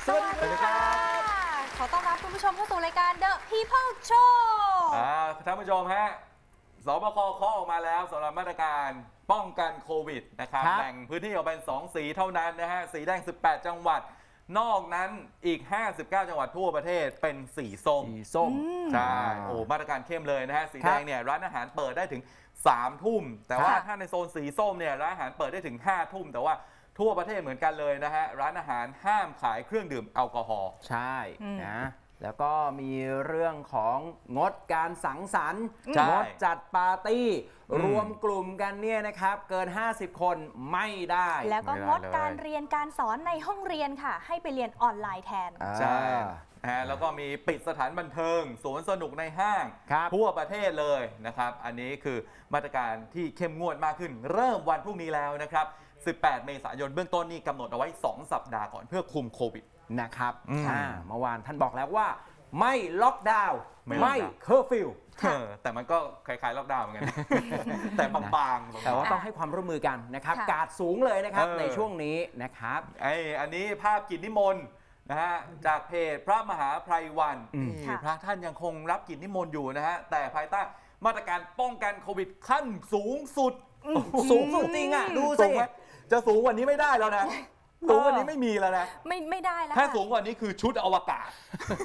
สวัสดีครับขอต้อนรับคุณผู้ชมเข้าสู่รายการ The People Show ท่านผู้ชมฮะสบคเคาะออกมาแล้วสำหรับมาตรการป้องกันโควิดนะครับแบ่งพื้นที่ออกเป็น2 สีเท่านั้นนะฮะสีแดง18 จังหวัดนอกนั้นอีก59 จังหวัดทั่วประเทศเป็นสีส้มใช่โอ้มาตรการเข้มเลยนะฮะสีแดงเนี่ยร้านอาหารเปิดได้ถึง3 ทุ่มแต่ว่าถ้าในโซนสีส้มเนี่ยร้านอาหารเปิดได้ถึง5 ทุ่มแต่ว่าทั่วประเทศเหมือนกันเลยนะฮะร้านอาหารห้ามขายเครื่องดื่มแอลกอฮอล์ใช่นะแล้วก็มีเรื่องของงดการสังสรรค์งดจัดปาร์ตี้รวมกลุ่มกันเนี่ยนะครับเกิน50 คนไม่ได้แล้วก็งดการเรียนการสอนในห้องเรียนค่ะให้ไปเรียนออนไลน์แทนใช่แล้วก็มีปิดสถานบันเทิงสวนสนุกในห้างทั่วประเทศเลยนะครับอันนี้คือมาตรการที่เข้มงวดมากขึ้นเริ่มวันพรุ่งนี้แล้วนะครับ18 เมษายนเบื้องต้นนี่กำหนดเอาไว้2 สัปดาห์ก่อนเพื่อคุมโควิดนะครับเมื่อวานท่านบอกแล้วว่าไม่ล็อกดาวน์ไม่เคอร์ฟิวแต่มันก็คล้ายๆล็อกดาวน์เหมือนกันแต่บางๆแต่ว่าต้องให้ความร่วมมือกันนะครับกาดสูงเลยนะครับในช่วงนี้นะครับอันนี้ภาพกิจนิมนต์นะฮะจากเพจพระมหาไพรวันพระท่านยังคงรับกิจนิมนต์อยู่นะฮะแต่ภายใต้มาตรการป้องกันโควิดขั้นสูงสุดจริงอ่ะดูสิจะสูงกว่านี้ไม่ได้แล้วนะสูงกว่านี้ไม่มีแล้วนะไม่ได้แล้วถ้าสูงกว่านี้คือชุดอวกาศ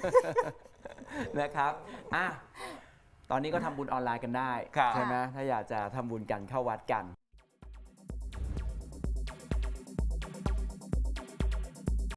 นะครับตอนนี้ก็ทำบุญออนไลน์กันได้ใช่ไหมถ้าอยากจะทำบุญกันเข้าวัดกัน